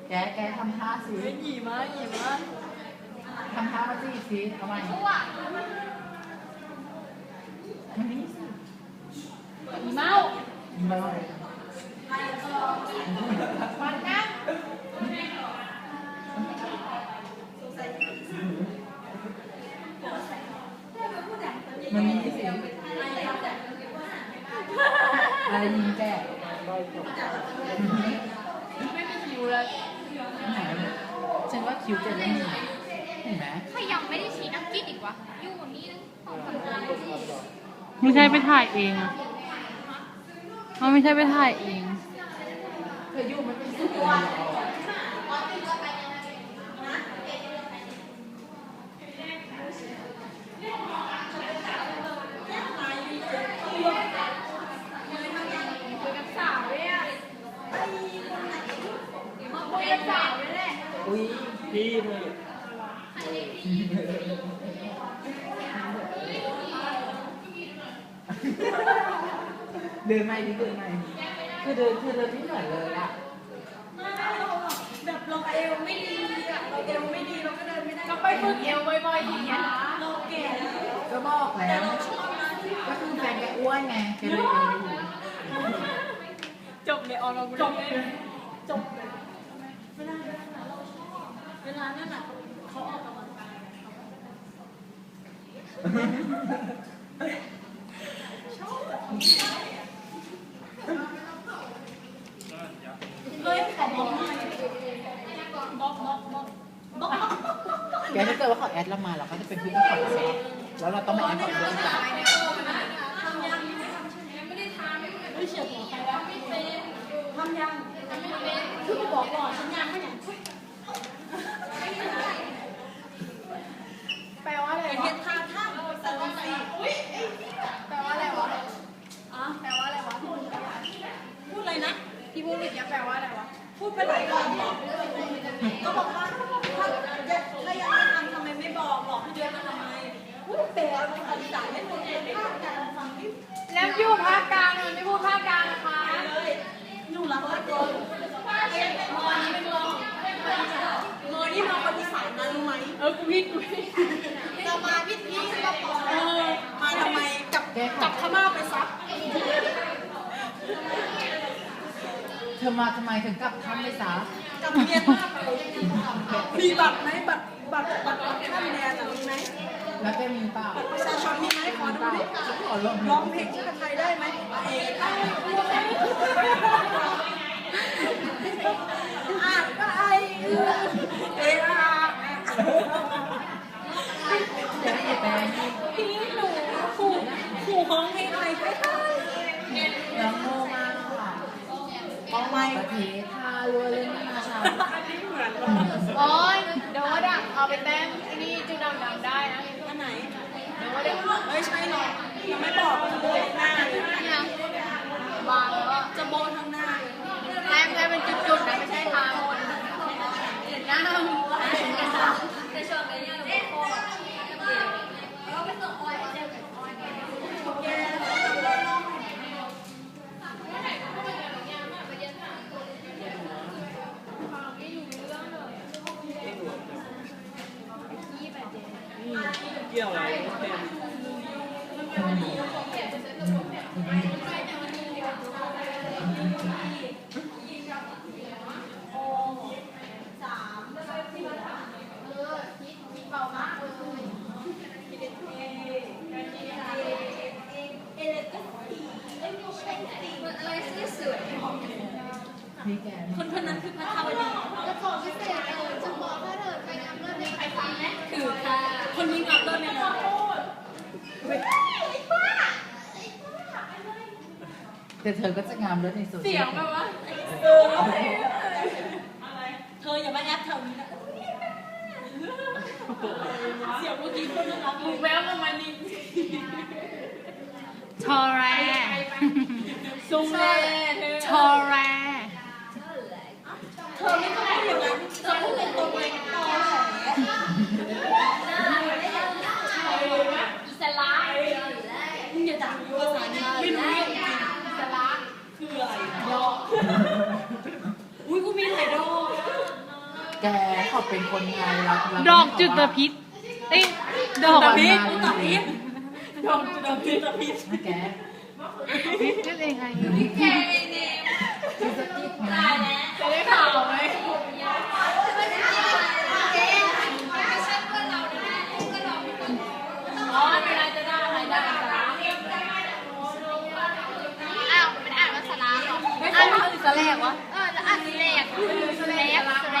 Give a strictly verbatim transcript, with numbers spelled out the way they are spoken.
แกแกทำท่าสิหยีมาหยีมาทำท่ามาสิสิทำไมมันนี่สิอีเมาอีเมาวันนั่งมันนี่สิอะไรยิงแกไม่มีคิวแล้วฉันว่าคิวจะไม่มีเห็นไหมถ้ายังไม่ได้ชี้นักกิ๊กอีกวะอยู่นี่ของคนงานที่ไม่ใช่ไปถ่ายเองอะมันไม่ใช่ไปถ่ายเองเธออยู่มันเป็นสุดยอดอุ้ยพี่เลยเดินไม่ดิเดินไม่คือเดินคือเดินไม่เหมือนเลยอะแบบเราเอวไม่ดีอะเราเอวไม่ดีเราก็เดินไม่ได้ก็ไปฝึกเอวบ่อยๆอย่างเงี้ยเราแก่แล้วก็บอกแล้วก็คือแฟนแกอ้วนไงแกเลยเอวอยู่จบเลยออนเราจบเลยจบเลยเวลาเวลานั่นน่ะเขาออกกำลังกายเฮ้ยขอบล็อกบล็อกบล็อกบล็อกบล็อกแกถ้าเกิดว่าเขาแอดเรามาเราก็จะเป็นเพื่อนกับเขาใช่แล้วเราต้องมาแอดกับเพื่อนกันทำยังไม่ทำใช่ไหมไม่ได้ทำไม่เฉียดหัวใครแล้วไม่เป็นทำยังทำไม่เป็นคือบอกก่อนฉันยังไม่อย่างแปลว่าอะไรเห็นท่าท่าสวัสดีแปลว่าอะไรวะอ๋อแปลว่าอะไรวะพูดอะไรนะที่พูดเมื่อกี้แปลว่าอะไรวะพูดไปหลายรอบก็บอกว่าถ้าถ้ายังไม่ทำทำไมไม่บอกบอกให้เยอะทำไมพูดแต่ภาษาไม่คนเองภาคกลางฟังดิแล้วอยู่ภาคกลางมันไม่พูดภาคกลางนะคะเลยอยู่หลังภาคกลางมอนี่เป็นรองมอนี่มาคนอีสานนะรู้ไหมเออกูพี่กูพี่เรามาพี่พี่ก็บอกเออมาทำไมกับกับพม่าไปซักเธอมาทำไมถึงกลับท่านไม่ซะกับเมียนมาไปมีบัตรไหมบัตรบัตรบัตรท่านแดนมีไหมแล้วแกมีเปล่าประชาชนมีไหมขอดูดิขอลองร้องเพลงชื่อไทยได้ไหมเอ๋ไอ้อ่ะก็ไอ้เอ๋อ่ะพี่หนูขู่ขู่ร้องเพลงอะไรให้ได้น้องโมมาค่ะเอาไม้ประเทศท่ารัวเล่นมาชาโอ้ยเดี๋ยวว่าดังเอาไปแต้มไอ้นี่จุดดำดำได้นะอันไหนเดี๋ยวว่าได้เฮ้ยใช่หรอยังไม่บอกโบหน้าเลยยังวางแล้วจะโบทั้งหน้าแต้มแค่เป็นจุดๆนะไม่ใช่ทางเห็นหน้าแต่ช่วงนี้ยังไม่พอเราไปส่งออยเจอกับออยแกเกี่ยวอะไรคนคนนั้นคือพระธรรมดีแล้วขอพิเศษเลยจะบอกถ้าเธอไปงานเลิศในใครฟังไหมคือค่ะคนนี้งานเลิศเนี่ยนะแต่เธอก็จะงามเลิศในโซเชียลเสียงแบบว่าเออเธออย่ามาแอปแถวนี้นะเสียงเมื่อกี้คนน่ารักมูแววประมาณนี้ทอแรซูมเลยทอแรเธอไม่ต้องพูดอย่างนั้นเธอพูดเป็นตัวเองต่ออิสระมึงอย่าด่าภาษานี้ไม่รู้เรื่องจริงอิสระคืออะไรดอกอุ้ยกูมีหลายดอกแกเขาเป็นคนไทยเราเราดอกจุดตะพิษเอ้ยดอกตะพิษตะพิษโดนโดนจุดตะพิษนะแกพิษนั่นเองไงแกเองเนี่ยคือสติ๊กนะจะได้ข่าวไหมเจ๊ไม่ใช่เพื่อนเราแน่เพื่อนเราเป็นคนอ๋อเวลาจะได้อะไรได้อะไรอ้าวมันอ่านว่าสลาหรอไม่ใช่ภาษาแรกวะเออแล้วอ่านสแลกสแลกสแล